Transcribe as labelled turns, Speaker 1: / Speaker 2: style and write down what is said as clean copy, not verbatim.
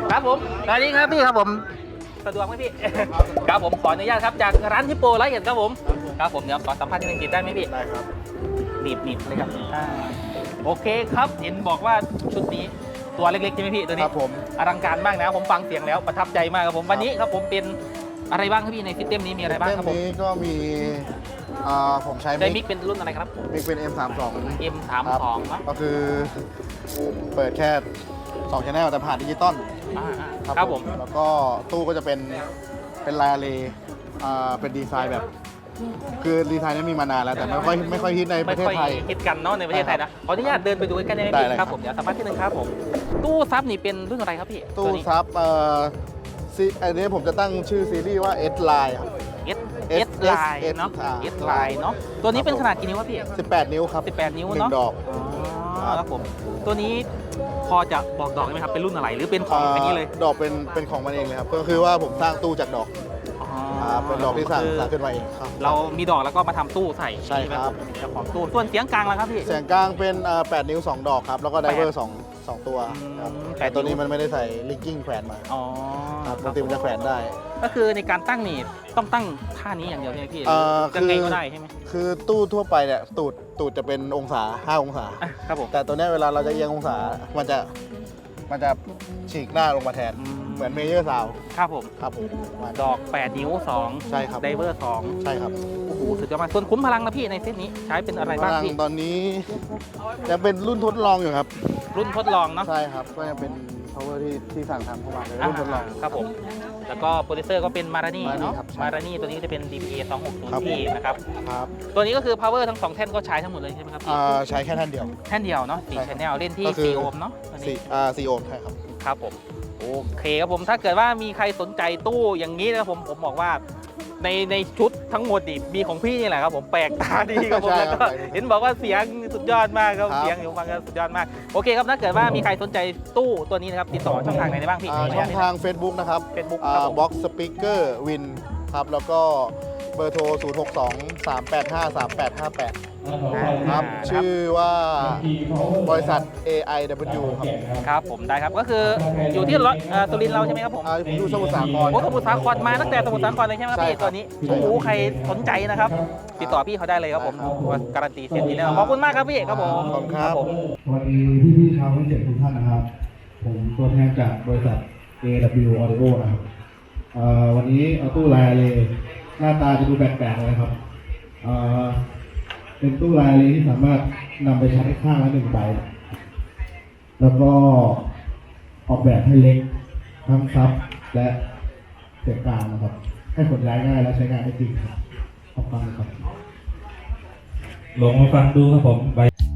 Speaker 1: ครับผมสวัสดีครับพี่ครับผมสะดวกไหมพี่ครับผมขออนุญาตครับจากร้านฮิปโปไลท์ครับผมครับผมเดี๋ยวขอสัมภาษณ์ที่หนึ่งติดได้ไหมพี่ได้ครับหนีบเลยครับโอเคครับเห็นบอกว่าชุดนี้ตัวเล็กๆใช่ไหมพี่ตัวนี้ครับผมอลังการมากนะผมฟังเสียงแล้วประทับใจมากครับผมวันนี้ครับผมเป็นอะไรบ้างครับพี่ในซิสเต็มนี้มีอะไรบ้างครับผม
Speaker 2: นี้ก็มีผมใช้
Speaker 1: มิกเป็นรุ่นอะไรครับ
Speaker 2: มิกเป็น M32
Speaker 1: M32 เนาะ
Speaker 2: ก็คือเปิดแค่2 channel แต่ผ่านดิจิตอล
Speaker 1: ครับผม
Speaker 2: แล้วก็ตู้ก็จะเป็นลายอะเลเป็นดีไซน์แบบคือดีไซน์นี้มีมานานแล้วแต่ไม่ค่อยฮิตในประเทศไทย
Speaker 1: ฮิตกันเนาะในประเทศไทยนะขออนุญาตเดินไปดูใกล้ๆได้ไหมพี่ครับผมเดี๋ยวสัมภาษณ์ที่หนึ่งครับผมตู้ซับนี่เป็นรุ่นอะไรครับพี่
Speaker 2: ตู้ซับอันนี้ผมจะตั้งชื่อซีรีส์ว่า S Line ครับ
Speaker 1: S Line เนาะ S Line เนาะตัวนี้เป็นขนาดกี่นิ้วครับพี่
Speaker 2: 18 นิ้วครับ
Speaker 1: 18 นิ้วเนาะ
Speaker 2: 1 ดอก
Speaker 1: ครับผมตัวนี้พอจะบอกดอกได้ไหมครับเป็นรุ่นอะไรหรือเป็นของอย่างนี้เลย
Speaker 2: ดอกเป็นของมันเองเลยครับก็คือว่าผมสร้างตู้จากดอกเป็นดอกที่สร้างขึ้นมาเองครับ
Speaker 1: เรามีดอกแล้วก็มาทำตู้ใส่
Speaker 2: ใช่ครับ
Speaker 1: เจ้าของตู้ส่วนเสียงกลางล่ะครับพี่
Speaker 2: เสียงกลางเป็น8 นิ้ว 2 ดอกครับแล้วก็ไดเวอร์2ตัวครับแต่ตัวนี้มันไม่ได้ใส่ลิงกิ้งแขวนมาปกติมันจะแขวนได้
Speaker 1: ก็คือในการตั้งนี่ต้องตั้งท่านี้อย่างเดียวใช่ไหมพี่จะไงก็ได้ใช่ไหม
Speaker 2: คือตู้ทั่วไปเนี่ยตูดจะเป็นองศา5 องศา
Speaker 1: ครับผม
Speaker 2: แต่ตัวนี้เวลาเราจะเอียงองศามันจะฉีกหน้าลงมาแทนเหมือนเมเยอร์ซาว
Speaker 1: ครับผม ดอก8 นิ้ว2
Speaker 2: ใช่ครับ
Speaker 1: ไดเวอร์2
Speaker 2: ใช่ครับ
Speaker 1: โอ้โหสุดยอดมากส่วนคุ้มพลังนะพี่ในเซตนี้ใช้เป็นอะไรบ้างพี่
Speaker 2: ตอนนี้ยังเป็นรุ่นทดลองอยู่ครับ
Speaker 1: รุ่นทดลองเนาะ
Speaker 2: ใช่ครับก็ยังเป็น power ที่สั่งทำเข้ามาเลยรุ่นทดลอง
Speaker 1: ครับผมแล้วก็โปรดิวเซอร์ก็เป็นมารานี่เนาะมารานี่ตัวนี้ก็จะเป็น DPA 260T นะครับตัวนี้ก็คือ power ทั้ง2แท่นก็ใช้ทั้งหมดเลยใช่ไหมครับพี่
Speaker 2: ใช้แค่แท่นเดียว
Speaker 1: เนาะ4 channel เล่นที่4 โอห์มเนาะ
Speaker 2: 4 โอห์มใช่ครับ
Speaker 1: ครับผมโอเคครับผมถ้าเกิดว่ามีใครสนใจตู้อย่างนี้นะผมบอกว่าในชุดทั้งหมดนี่มีของพี่นี่แหละครับผมแปลกตาดีครับผมแล้วก็เห็นบอกว่าเสียงสุดยอดมากครับเสียงอยู่ฟังกันสุดยอดมากโอเคครับถ้าเกิดว่ามีใครสนใจตู้ตัวนี้นะครับติดต่อช่องทางไหนได้บ้างพี่
Speaker 2: ช่องทาง Facebook นะครับ
Speaker 1: Facebook
Speaker 2: Box Speaker Win ครับแล้วก็เบอร์โทร 0623853858 ครับชื่อว่าบริษัท AIW
Speaker 1: ครับผมได้ครับก็คืออยู่ที่ตุรินทร์เราใช่ไหมครับผม
Speaker 2: อยู่สมุทรสาคร
Speaker 1: สมุทรสาครมาตั้งแต่สมุทรสาครเลยใช่ไหมครับพี่ตัวนี้โอ้โหใครสนใจนะครับติดต่อพี่เขาได้เลยครับผมการันตีเสียงดีแน่นอนขอบคุณมากครับพี่ครับผม
Speaker 2: ขอบคุณครับ
Speaker 3: วันนี้พี่ชาวเสียงทุกท่านนะครับผมตัวแทนจากบริษัท AW Audio นะครับวันนี้เอาตู้ลายเลยหน้าตาจะดูแปลกๆเลยครับเป็นตู้ลายเลยที่สามารถนำไปใช้ข้างละ1 ใบแล้วก็ออกแบบให้เล็กทั้งซับและเสียงกลางนะครับให้ขนย้ายง่ายและใช้งานได้จริงครับขอบคุณครับ
Speaker 4: ลองมาฟังดูครับผม